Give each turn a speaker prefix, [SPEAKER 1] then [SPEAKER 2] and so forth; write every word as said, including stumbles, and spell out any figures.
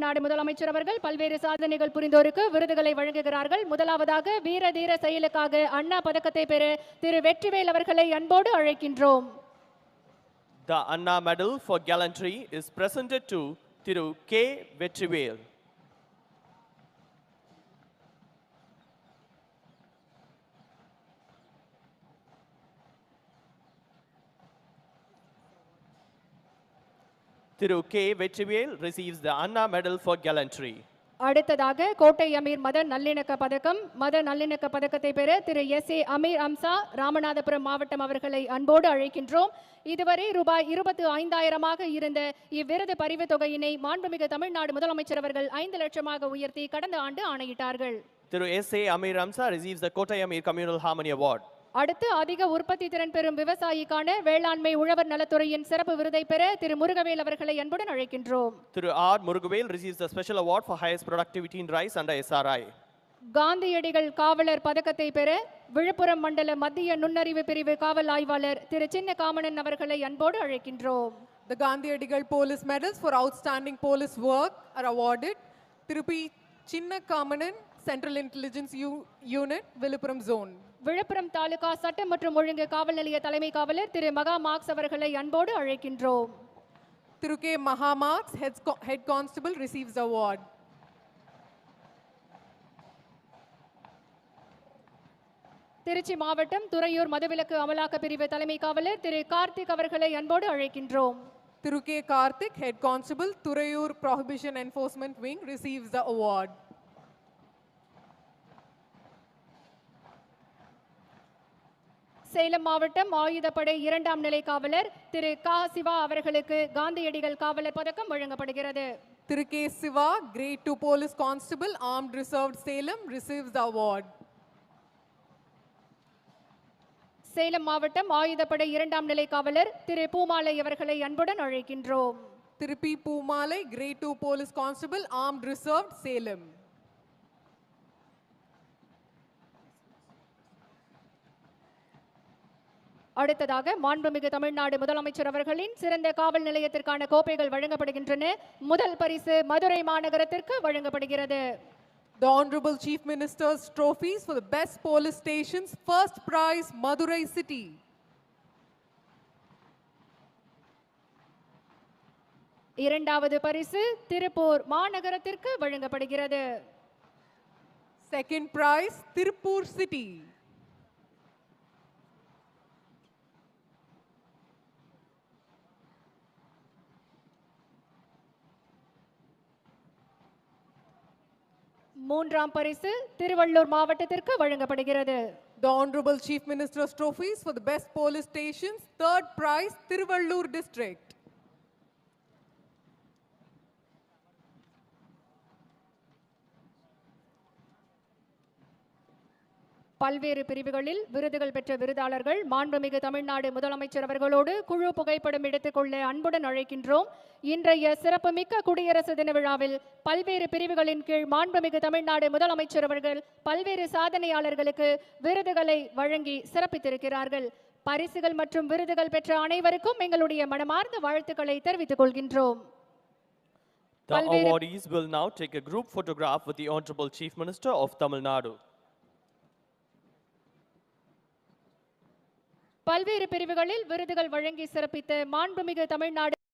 [SPEAKER 1] தமிழ்நாடு முதலமைச்சர் அவர்கள் பல்வேறு சாதனைகள் புரிந்தோருக்கு விருதுகளை வழங்குகிறார்கள். முதலாவதாக வீர தீர செயலுக்காக அண்ணா பதக்கத்தை பெற திரு வெற்றிவேல் அவர்களை அன்போடு அழைக்கின்றோம்.
[SPEAKER 2] The Anna Medal for Gallantry is presented to Thiru K. Vetrivel. Thiru K. Vetrivel receives the Anna Medal for Gallantry.
[SPEAKER 1] அடுத்ததாக கோட்டை அமீர் மத நல்லிணக்க பதக்கம் மத நல்லிணக்க பதக்கத்தை பெற திரு எஸ் ஏ அமீர் அம்சா ராமநாதபுரம் மாவட்டம் அவர்களை அன்போடு அழைக்கின்றோம். இதுவரை ரூபாய் இருபத்தி ஐந்தாயிரமாக இருந்த இவ்விருது பரிவு தொகையினை மாண்புமிகு தமிழ்நாடு முதலமைச்சர் அவர்கள் ஐந்து லட்சமாக உயர்த்தி கடந்த ஆண்டு ஆணையிட்டார்கள்.
[SPEAKER 2] Thiru S A Amir Amsa receives the Kottai Amir Communal Harmony Award.
[SPEAKER 1] அடுத்து அதிக உற்பத்தி திறன் பெறும் விவசாயிக்கான வேளாண்மை உழவர் நலத்துறையின் சிறப்பு விருதை பெற திரு முருகவேல் அவர்களை அன்புடன் அழைக்கின்றோம்.
[SPEAKER 2] Thiru R. Murugavel receives the special award for highest productivity in rice under S R I.
[SPEAKER 1] காந்தியடிகள் காவலர் பதக்கத்தை பெற விழுப்புரம் மண்டல மத்திய நுண்ணறிவு பிரிவு காவல் ஆய்வாளர் திரு சின்ன காமனன் அவர்களை அன்போடு அழைக்கின்றோம்.
[SPEAKER 3] The Gandhiadigal Police Medals for outstanding police work are awarded. Thiru P. Chinna Kamanan, Central Intelligence U Unit, Viluppuram Zone.
[SPEAKER 1] Villupuram taluka சட்டம் மற்றும் ஒழுங்கு காவல் நிலைய தலைமை காவலர் திரு மகா மார்க்ஸ் அவர்களை அன்போடு அழைக்கின்றோம்.
[SPEAKER 3] Thiru K. Maha Marks, Head Constable, receives the award.
[SPEAKER 1] Trichy மாவட்டம் துறையூர் மதுவிலக்கு அமலாக்க பிரிவு தலைமை காவலர் திரு கார்த்திக் அவர்களை அன்போடு அழைக்கின்றோம்.
[SPEAKER 3] Thiru K. Karthik, Head Constable, Thurayur Prohibition Enforcement Wing, receives the award.
[SPEAKER 1] Salem மாவட்டம் ஆயுதப்படை இரண்டாம் நிலை காவலர் திரு கா சிவா அவர்களுக்கு காந்தியடிகள் காவலர் பதக்கம் வழங்கப்படுகிறது.
[SPEAKER 3] Thiru K. Siva, Grade two Police Constable, Armed Reserved Salem, receives the award.
[SPEAKER 1] Salem மாவட்டம் ஆயுதப்படை இரண்டாம் நிலை காவலர் திரு பூமாலை அவர்களை அன்புடன் அழைக்கின்றோம்.
[SPEAKER 3] Thiru P. Poomalai, Grade two Police Constable, Armed Reserved Salem.
[SPEAKER 1] அடுத்ததாக மாண்புமிகு தமிழ்நாடு முதலமைச்சர் அவர்களின் சிறந்த காவல் நிலையத்திற்கான கோப்பைகள் வழங்கப்படுகின்றன. முதல் பரிசு மதுரை மாநகரத்திற்கு வழங்கப்படுகிறது.
[SPEAKER 3] The Honorable Chief Minister's trophies for the best police stations. First prize, Madurai City.
[SPEAKER 1] இரண்டாவது பரிசு திருப்பூர் மாநகரத்திற்கு வழங்கப்படுகிறது.
[SPEAKER 3] Second prize, Tirupur City.
[SPEAKER 1] மூன்றாம் பரிசு திருவள்ளூர் மாவட்டத்திற்கு வழங்கப்படுகிறது.
[SPEAKER 3] The Honorable Chief Minister's trophies for the best police stations. Third prize, Tiruvallur District.
[SPEAKER 1] பல்வேறு பிரிவுகளில் விருதுகள் பெற்ற விருதாளர்கள் மாண்புமிகு தமிழ்நாடு முதலமைச்சர் அவர்களோடு குழு புகைப்படம் எடுத்துக்கொள்ள அன்புடன் அழைக்கின்றோம். இன்றைய சிறப்புமிக்க குடியரசு தின விழாவில் பல்வேறு பிரிவுகளின் கீழ் மாண்புமிகு தமிழ்நாடு முதலமைச்சர் அவர்கள் பல்வேறு சாதனையாளர்களுக்கு விருதுகளை வழங்கி சிறப்பித்திருக்கிறார்கள். பரிசுகள் மற்றும் விருதுகள் பெற்ற அனைவருக்கும் எங்களுடைய மனமார்ந்த வாழ்த்துக்களை தெரிவித்துக் கொள்கின்றோம்.
[SPEAKER 2] The awardees will now take a group photograph with the Honorable Chief Minister of Tamil Nadu.
[SPEAKER 1] பல்வேறு பிரிவுகளில் விருதுகள் வழங்கி சிறப்பித்த மாண்புமிகு தமிழ்நாடு